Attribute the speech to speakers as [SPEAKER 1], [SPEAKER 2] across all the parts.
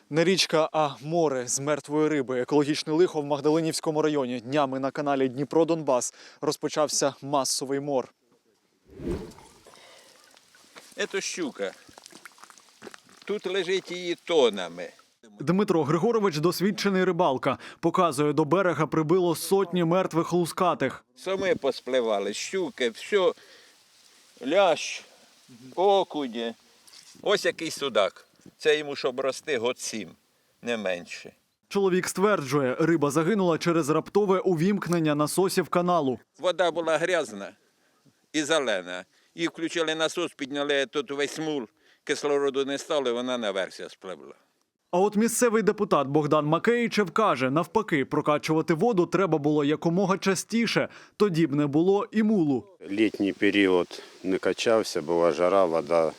[SPEAKER 1] Не річка, а море з мертвої риби. Екологічне лихо в Магдалинівському районі. Днями на каналі Дніпро-Донбас розпочався масовий мор.
[SPEAKER 2] Це щука. Тут лежить її тонами.
[SPEAKER 1] Дмитро Григорович – досвідчений рибалка. Показує, до берега прибило сотні мертвих лускатих.
[SPEAKER 2] Самі поспливали, щуки, все, лящ, окуні. Ось який судак. Це йому, щоб рости, год 7, не менше.
[SPEAKER 1] Чоловік стверджує, риба загинула через раптове увімкнення насосів каналу.
[SPEAKER 2] Вода була грязна і зелена. І включили насос, підняли тут весь мул, кислороду не стало, вона наверх спливла.
[SPEAKER 1] А от місцевий депутат Богдан Макеїчев каже, навпаки, прокачувати воду треба було якомога частіше, тоді б не було і мулу.
[SPEAKER 3] Літній період не качався, була жара, вода,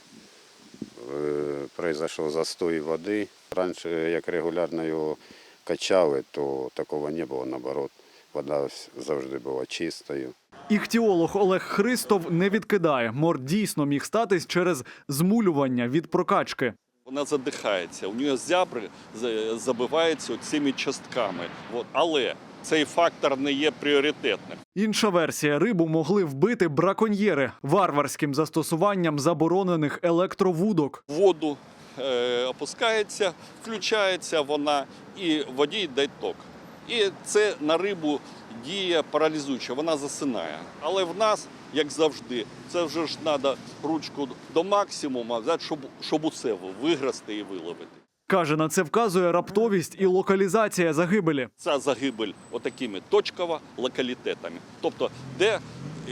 [SPEAKER 3] пройшов застой води. Раніше, як регулярно його качали, то такого не було, наоборот, вода завжди була чистою.
[SPEAKER 1] Іхтіолог Олег Христов не відкидає. Мор дійсно міг статись через змулювання від прокачки.
[SPEAKER 4] Вона задихається, у нього зябри забиваються цими частками. Але цей фактор не є пріоритетним.
[SPEAKER 1] Інша версія – рибу могли вбити браконьєри варварським застосуванням заборонених електровудок.
[SPEAKER 4] В воду опускається, включається вона і в воді йде ток. І це на рибу діє паралізуюче, вона засинає. Але в нас, як завжди, це вже ж треба ручку до максимуму, щоб усе виграсти і виловити.
[SPEAKER 1] Каже, на це вказує раптовість і локалізація загибелі.
[SPEAKER 4] Ця загибель отакими точково локалітетами. Тобто, де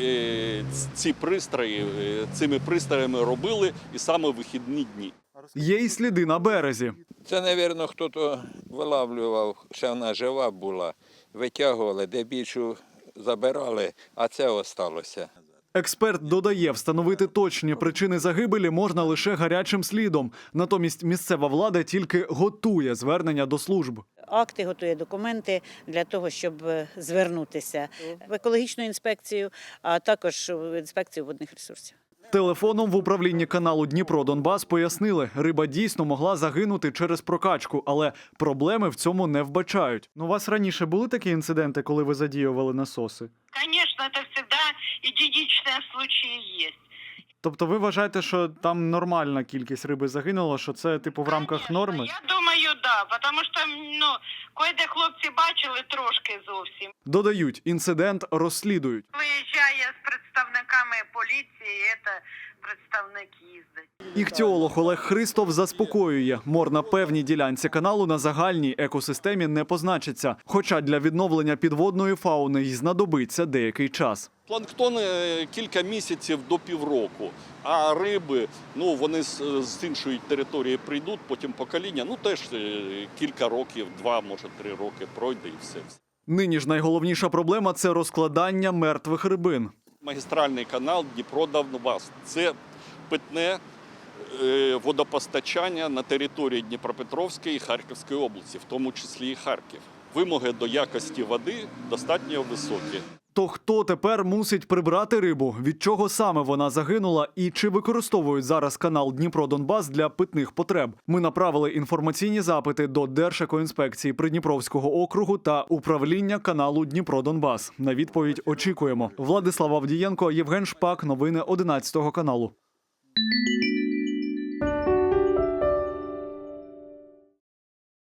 [SPEAKER 4] цими пристроями робили і саме вихідні дні.
[SPEAKER 1] Є й сліди на березі.
[SPEAKER 2] Це, мабуть, хтось вилавлював, ще вона жива була, витягували, де більшу забирали, а це осталося.
[SPEAKER 1] Експерт додає, встановити точні причини загибелі можна лише гарячим слідом. Натомість місцева влада тільки готує звернення до служб.
[SPEAKER 5] Акти, готує документи для того, щоб звернутися в екологічну інспекцію, а також в інспекцію водних ресурсів.
[SPEAKER 1] Телефоном в управлінні каналу Дніпро-Донбас пояснили, риба дійсно могла загинути через прокачку, але проблеми в цьому не вбачають. У вас раніше були такі інциденти, коли ви задіювали насоси?
[SPEAKER 6] Конечно, это всегда единичные случаи есть.
[SPEAKER 1] Тобто ви вважаєте, що там нормальна кількість риби загинула, що це типу в рамках
[SPEAKER 6] Конечно,
[SPEAKER 1] норми?
[SPEAKER 6] Я думаю, да, тому що, кое-де хлопці бачили трошки зовсім.
[SPEAKER 1] Додають, інцидент розслідують.
[SPEAKER 6] Виїжджає з представниками поліції, це представник їздить.
[SPEAKER 1] Іхтіолог Олег Христов заспокоює, мор на певній ділянці каналу на загальній екосистемі не позначиться, хоча для відновлення підводної фауни й знадобиться деякий час.
[SPEAKER 4] Планктон кілька місяців до півроку, а риби, вони з іншої території прийдуть, потім покоління, теж кілька років, 2, може 3 роки пройде і все.
[SPEAKER 1] Нині ж найголовніша проблема – це розкладання мертвих рибин.
[SPEAKER 4] Магістральний канал Дніпро-Донбас – це питне водопостачання на території Дніпропетровської і Харківської області, в тому числі і Харків. Вимоги до якості води достатньо високі.
[SPEAKER 1] То хто тепер мусить прибрати рибу? Від чого саме вона загинула? І чи використовують зараз канал Дніпро-Донбас для питних потреб? Ми направили інформаційні запити до Держекоінспекції Придніпровського округу та управління каналу Дніпро-Донбас. На відповідь очікуємо. Владислав Авдієнко, Євген Шпак. Новини 11 каналу.